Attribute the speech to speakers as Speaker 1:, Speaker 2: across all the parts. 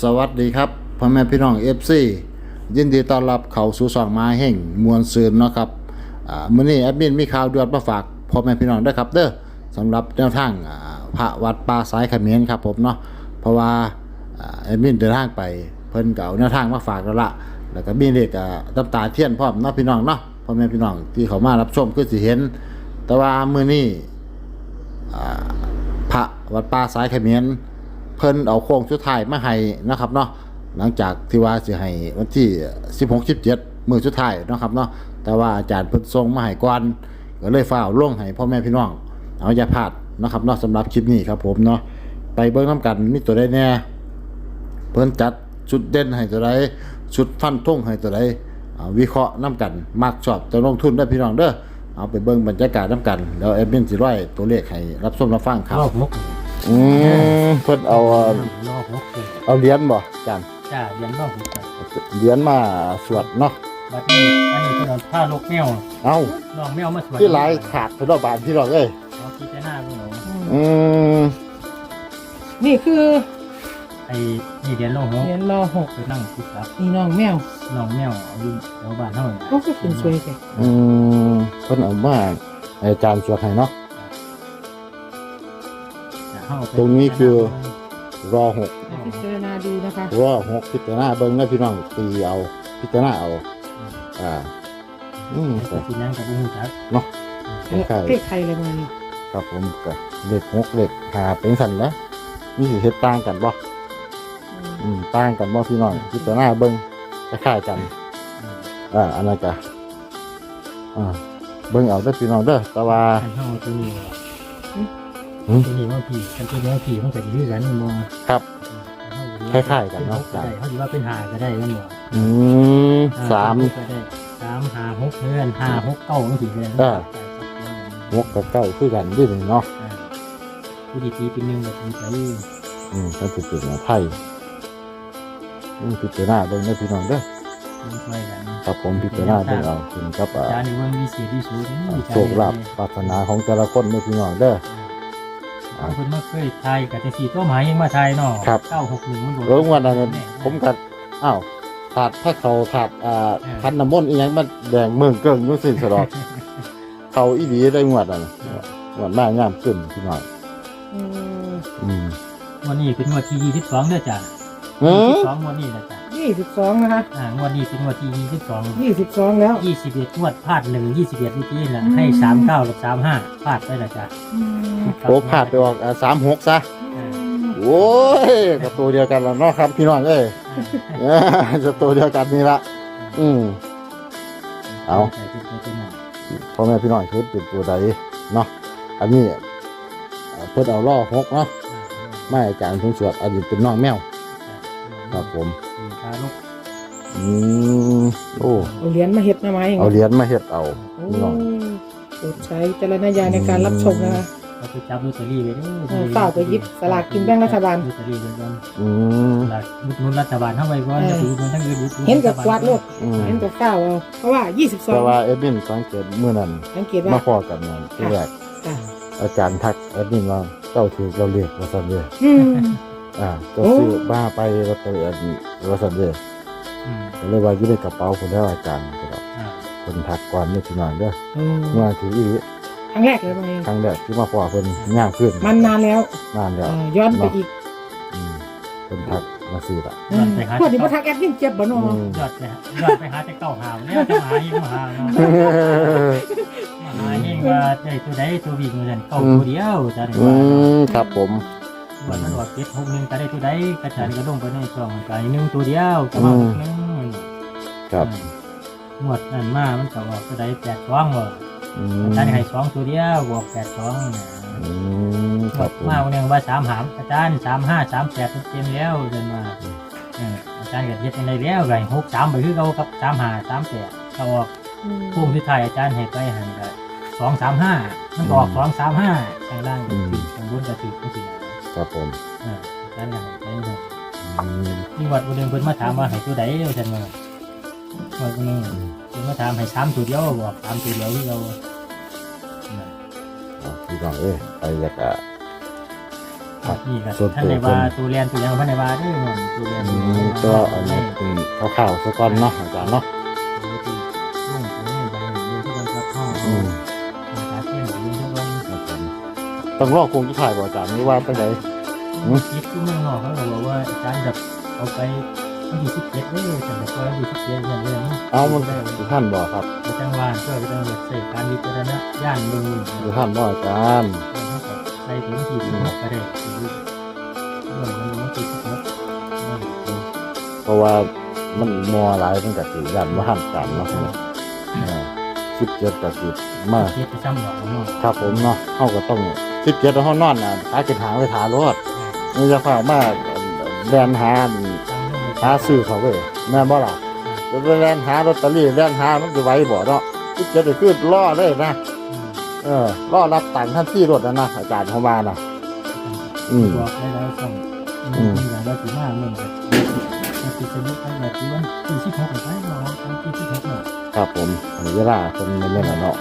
Speaker 1: สวัสดีครับพ่อแม่พี่น้องFCยินดีต้อนรับเข้าสู่ช่องมาแห่งมวลซืนเนาะครับมื้อนี้แอดมินมีข่าวด่วนมาฝากพ่อแม่พี่น้องด้วยครับเด้อสำหรับแนวทางพระวัดป่าสายเขมรครับผมเนาะเพราะว่าแอดมินเดินทางไปเพิ่นก็เอาแนวทางมาฝากแล้วล่ะแล้วก็มีเลขน้ำตาเทียนพร้อมเนาะพี่น้องเนาะพ่อแม่พี่น้องที่เขามารับชมคือสิเห็นแต่ว่ามื้อนี้พระวัดป่าสายเขมรเพิ่นเอาโค้งสุดท้ายมาให้นะครับเนาะหลังจากที่ว่าสิให้วันที่16 17มื้อสุดท้ายเนาะครับเนาะแต่ว่าอาจารย์เพิ่นส่งมาให้ก่อนก็เลยฟ้าวลงให้พ่อแม่พี่น้องเอาอย่าพลาดนะครับเนาะสำหรับคลิปนี้ครับผมเนาะไปเบิ่งนำกันมีตัวใดแน่เพิ่นจัดชุดเด่นให้ตัวใดชุดฟันธงให้ตัวใดวิเคราะห์นำกันมักชอบจะลงทุนได้พี่น้องเด้อเอาไปเบิ่งบรรยากาศนำกันแล้วแอดมินสิร้อยตัวเลขให้รับชมรับฟังครับ
Speaker 2: รอบหก
Speaker 1: เพิ่นเอา
Speaker 2: รอบหกเลย
Speaker 1: เอาเหรียญบ่อาจารย์
Speaker 2: จ้าเรียนรอบหกครับ
Speaker 1: เหรียญมาสวดเนาะ
Speaker 2: บัดนี้อันนี้ก็โดนผ้าลูกแมว
Speaker 1: เอ้า
Speaker 2: น้องแมวมาสวย
Speaker 1: ที่หลายขาดเพิ่นเอาบานพี่น้องเอ้ย
Speaker 2: เอาคิดแต่หน้าพวกหนู
Speaker 1: อืม
Speaker 3: นี่คือ
Speaker 2: ไอ้นี่เรียนรอบหก
Speaker 3: เหรียญรอหก
Speaker 2: ไปนั่งคิดครับ
Speaker 3: นี่น้องแมว
Speaker 2: น้องแมวเอาอยู่แถวบ้านเท่านั้น
Speaker 3: ก็คือเป็นสวยแท้
Speaker 1: เพิ่นเอามาให้อาจารย์สวดให้เนาะ ตรงนี้คือ รอ6
Speaker 3: พิจารณาดูนะคะ
Speaker 1: รอ6พิจารณาเบิ่งนะพี่น้องตีเอาพิจารณาเอา
Speaker 2: แต่ที่นั่งกับผู้จัก
Speaker 1: เนาะคล้าย
Speaker 3: เลขใครเลยมานี่
Speaker 1: ๆครับผมก็เลข6เลข5เป็นสั่นนะมีสิเฮ็ดต่างกันบ่ต่างกันบ่พี่น้องพิจารณาเบิ่งคล้ายๆกันอันนั้นก็เบิ่งเอาเด้อพี่น้องเด้อแต่ว่า
Speaker 2: ขันเท่าตัวนี้ตัวนี้ว่าผีกันตัวนี้ว่าผีมันจะยืดกันมันบ่
Speaker 1: ครับคล้ายๆกันเนาะ
Speaker 2: ได้เขาถือว่าเป็นหาก็ได้กันบ่
Speaker 1: 3
Speaker 2: ก็ได้3 5 6เพื่อน5 6 9มันสิเพื่อน
Speaker 1: 6กับ9คือกันด้วยเนาะ
Speaker 2: ผู้ดีตีเป็นหนึ่งแบบนี้ไป
Speaker 1: ก็สิเป็นไทยพิจารณาเบิ่งเด้อพี่น้องเด้อ
Speaker 2: มันช่วยกัน
Speaker 1: ครับผมพิจารณาเบิ่งเอาถึงกับ
Speaker 2: จานนี้ว่ามีเสียที่สูง
Speaker 1: โชคลาภปรารถนาของแต่ละคนเด้อพี่น้องเด้อ
Speaker 2: คนมาเคยไทยกับแต่สีตัวหมายยังมาไทยเนาะ961มันโดน
Speaker 1: วันนั้นผมก็ถาดพระเขาถาดคันน้ำมนต์อีหยังมันแดงเมืองเกิ้งอยู่สิ้นสลอดเขาอีหลีได้งวดนั่นงวดหน้างามขึ้นพี่น้อง
Speaker 2: วันนี้เป็นวันที่22เด้อจ้ะ22วันนี้นะจ้ะ
Speaker 3: 22นะคะ
Speaker 2: วันนี้เป็นวันที่22
Speaker 3: 22แล้ว
Speaker 2: 21งวดพลาด1 21นี่ที่น่ะให้39กับ35พลาดไปละจ้ะ
Speaker 1: โอ้พลาดไปออก36ซะโอ้ยก็ตัวเดียวกันแล้วเนาะครับพี่น้องเอ้ยจะตัวเดียวกันนี่ละเอาพ่อแม่พี่น้องชุดเป็นตัวใดเนาะอันนี้เพิ่นเอาล่อ6เนาะไม่อาจารย์เพิ่นสวดอันนี้เป็นน้องแมวครับผมโอ้
Speaker 3: เอาเหรียญมาเฮ็ดนะไม้
Speaker 1: เอาเหรียญมาเฮ็ดเอาพี่น้อง
Speaker 3: โปรดใช้จารณญาณในการรับชมนะคะ
Speaker 2: เราไปจับลอตเตอรี่ไว้ด้วย
Speaker 3: ฝากไปหยิบสลากกินแบ่งรัฐบาล
Speaker 2: ลอตเตอรี่ไว้ก่อน
Speaker 1: ม
Speaker 2: หลักนุนรัฐบาลเท่าไว้ก่อนจะไปอุดหนุนทั้งอื่น
Speaker 3: เห็นกับกวาดโลกเห็นกับก้าวเอาเพราะว่า
Speaker 1: แต่ว่า
Speaker 3: 22
Speaker 1: เอ็ดมินสังเกตเมื่อนั้น
Speaker 3: สังเกต
Speaker 1: มา
Speaker 3: ว่า
Speaker 1: พอกันนั่นที่แรก
Speaker 3: ค่ะ
Speaker 1: อาจารย์ทักเอ็ดมินว่าเจ้าถือเราเรียกว่าซั่นเด้อเจ้าซื้อบ้าไปลอตเตอรี่อันนี้ว่าซั่นเด้อก็เลยว่าอยู่ในกระเป๋าพุ่นแล้วอาจารย์ก็ดอกเพิ่นทักก่อนนี่พี่น้องเด้อว่าถืออีหลี
Speaker 3: ครั้งแรกเลยมาเอง
Speaker 1: ครั้งแรกที่มาพอเพิ่นย่างขึ้น
Speaker 3: มันนานแล้ว
Speaker 1: นานแล้ว
Speaker 3: ย้อนไปอีก
Speaker 1: เพิ่นทักมาซื้อละ
Speaker 3: พวกที่มาทักแอดมินเจ็บบ่เนาะ
Speaker 2: ยอดไปหาแต่เก้าหาวเนี่ยจะหายิ่งมาหาเนาะมาหายิ่งว่าได้ตัวใดตัววิ่งเหมือนเก้าตัวเดียวจะได้ว่า
Speaker 1: ครับผม
Speaker 2: วันมันว่า761ก็ได้ตัวใดกระจายก็ลงไปในช่องก็1ตัวเดียวก็มา1
Speaker 1: ครับ
Speaker 2: งวดนั้นมามันก็ออกตัวใด82บ่อาจารย์ให้2ตัวเดียวบอก82
Speaker 1: ครับ
Speaker 2: มาวันนึงว่า3หามอาจารย์35 38เต็มแล้วเดินมาอาจารย์ก็เฮ็ดจังได๋แล้วก็63ไปคือเก่ากับ35 38ก็ออกพุ่งที่ไทยอาจารย์ให้ไปหั่นก็235มันก็ออก235ข้างล่างก็ถึงข้างบนก็ถึงจังซี่
Speaker 1: ครับผม
Speaker 2: อาจารย์ให้ไปที่วัดวันนึงเพิ่นมาถามว่าให้ตัวใดอาจารย์ว่าวันนึงเพิ่นมาถามให้3ตัวเดียวบอก3ตัวเดียวคือเรา
Speaker 1: พี่น้องไปอยากครับ
Speaker 2: นี่ก็
Speaker 1: ส่วน
Speaker 2: ท่าน
Speaker 1: ตัว
Speaker 2: ใน
Speaker 1: เพิ่
Speaker 2: ว่าน ตัวเรียนตัวยังพันในว่าเด้อเนาะตัวเรียน
Speaker 1: ก็อันนี้เป็นข่าวๆซะก่อนเนาะอาจารย์เนาะ
Speaker 2: ลุงตัวนี้ไปเรียนที่บ้านครับพ่อ
Speaker 1: อืม
Speaker 2: หาเที่ยงเรียนที่บ้าน
Speaker 1: ครับผมต้องรอคงที่ถ่ายบ่อาจารย์นี่ว่าตั้งแต่
Speaker 2: คิดที่เมืองนอกเขาก็บอกว่าอาจารย์จะเอาไปวันที่17เลยแต่ก็วันที่17เนี่ยเรื่อง
Speaker 1: เอามัน
Speaker 2: ได้
Speaker 1: อยู่ท่านบ่ครับ
Speaker 2: ไปจังหวัดก็ไปจังหวัดใส่การวิจารณญาณเมือง
Speaker 1: อยู่ท่านบ่อาจารย์
Speaker 2: ใส่ถึงที่16ก็ได้ด้วยมันที่16
Speaker 1: เพราะว่ามันมอหลายมันก็สิยันว่าท่านกันเนาะ17ก็สิมา
Speaker 2: คิดจะซ้ำหรอกเนาะ
Speaker 1: ครับผมเนาะเฮาก็ต้อง17แล้วเฮานอนน่ะหากินหางไว้ทารอดนี่จะฝากมาแล่นหาซื้อเขาเว้ยแม่นบ่ล่ะจะไปแล่นหาลอตเตอรี่แล่นหามันสิไหวบ่เนาะ17นี่คือรอเลยนะรอรับตังค์ทันทีรถนะอาจารย์เขาว่านะ
Speaker 2: บอกได้แล้วส่งอย่างเราถือมากเมืองแบบติดสนุกไปแบบที่วันที่16ไปเนาะที่16เนี่ย
Speaker 1: ครับผมอันนี้เวลาคนเล่นๆเนาะ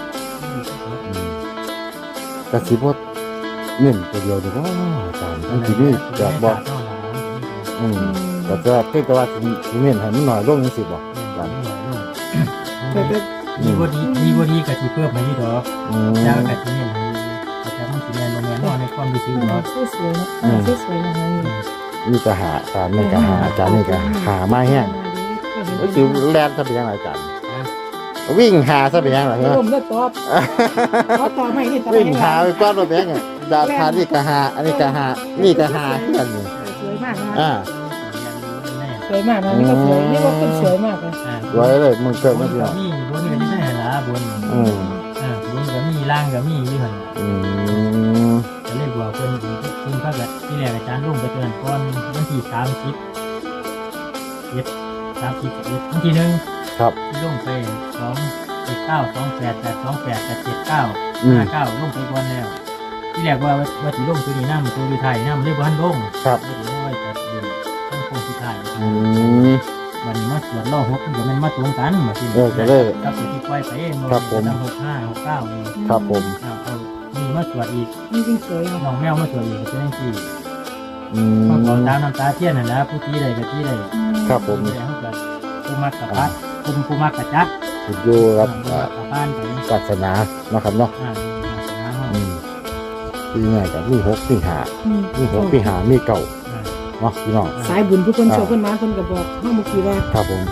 Speaker 1: กระสิบว่าเน้นตัวเดียวเดียวอาจารย์ทีนี้จะบอกก็จะเพิ่งแต่ว่าทีเน้นให้มันหน่อยลงนี่สิบอกอาจารย์
Speaker 3: แต่แต่
Speaker 2: มีบดีกับที่เพิ่มมาที่ดอกแล้วกับที่นี่แต่มันสีแดงโมเมนต์นอนในความรู้สึกเนาะ
Speaker 3: สวยๆนะสวยๆนะคะนี่
Speaker 1: นี่ก็หาอาจารย์นี่ก็หาอาจารย์นี่ก็หามาแห้งก็คือแลนซะเป็นยังไงอาจารย์วิ่งหาซะเป็นยังไงเหรอ
Speaker 3: ผมได้ตอบต่อไม่นี่ต่อ
Speaker 1: วิ่ง
Speaker 3: ไม่
Speaker 1: หาไปก้อนรถเป็นยังไงดาทานี่ก็หาอันนี้ก็หานี่ก็หาที่กันนี่
Speaker 3: สวยมากนะ
Speaker 1: อ่า
Speaker 3: สวยมากนะนี่ก็สวยนี่ก็คนสวยมากเลย
Speaker 1: ไว้เลยมึงเกิด
Speaker 2: บ
Speaker 1: ไม่
Speaker 2: น
Speaker 1: เดียว
Speaker 2: กับมีบนกับมีได้หรอบนบนกับมีล่างกับมีอยู่หัน จะเรียกว่าเพิ่นคุณพระกับที่แรกอาจารย์ลงไปเตือนก่อนวันที่30วันที่1
Speaker 1: ครับ
Speaker 2: ที่ลงไป2 9 28 8 28 8 7 9 59ลงไปก่อนแล้วที่แรกว่าสิลงตัวนี้น้ำตัวอยู่ไทยน้ำเรียกว่าหันลง
Speaker 1: ครับ
Speaker 2: ไม่ได้ว่าจะเดินทั้งโคงที่ไทย วันนี้มาสวดล่อ6มันก็แม่นมาตรงกันมาที่
Speaker 1: ก็เลย
Speaker 2: กับที่ปล่อยไปมัน
Speaker 1: ครับผม
Speaker 2: ตั้ง65 69นี่
Speaker 1: ครับผม
Speaker 2: เอานี่มาสวดอีก
Speaker 3: นี่จริงสวยนะ
Speaker 2: น้องแมวมาสวดอีกเป็นจังซี่ มาขอตามน้ำตาเทียนน่ะนะผู้ที่ใดกับที่ใด
Speaker 1: ครับผม
Speaker 2: ที่ใดเขาก็ผู้มักกับพัดผู้มักกับจัก
Speaker 1: ติดอยู่ครับ
Speaker 2: ผู้มักกับบ้านไป
Speaker 1: ศาสนาเนาะครับเนาะ
Speaker 2: ศาสนาเฮา
Speaker 1: ปีใหญ่กับมี6มี5มี6มี5มีเก่าเนาะพี่น้อง
Speaker 3: สายบุญผู้คนโชคคนมาคนก็บอกเฮาเมื่อกี้ว่า
Speaker 1: ครับผม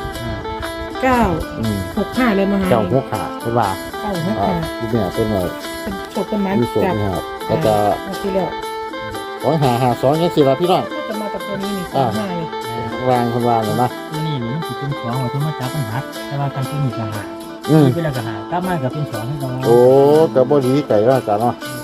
Speaker 3: 965เลยมาหา
Speaker 1: เจ้า6ขาเป็นว่า
Speaker 3: 965
Speaker 1: ที่เนี่ยเป็นว่า
Speaker 3: โชคคนมา
Speaker 1: มีโศก
Speaker 3: จาก
Speaker 1: นะครับก็จะ
Speaker 3: ที่แล้ว
Speaker 1: 252ยังสิล่ะพี่น้อง
Speaker 3: ก็จะมากับตัวนี้นี่25นี่
Speaker 1: วางคนวางเลยนะ
Speaker 2: ตัวนี้นี่มันสิเป็นของว่าที่มาจับปัญหาแต่ว่าการที่มีปัญหา
Speaker 1: อืม
Speaker 2: ที่เป็นปัญหากลับมากับเป็น2ให้เรา
Speaker 1: โอ้ก็บ่ดีใจว่าอาจารย์เนาะ
Speaker 2: ม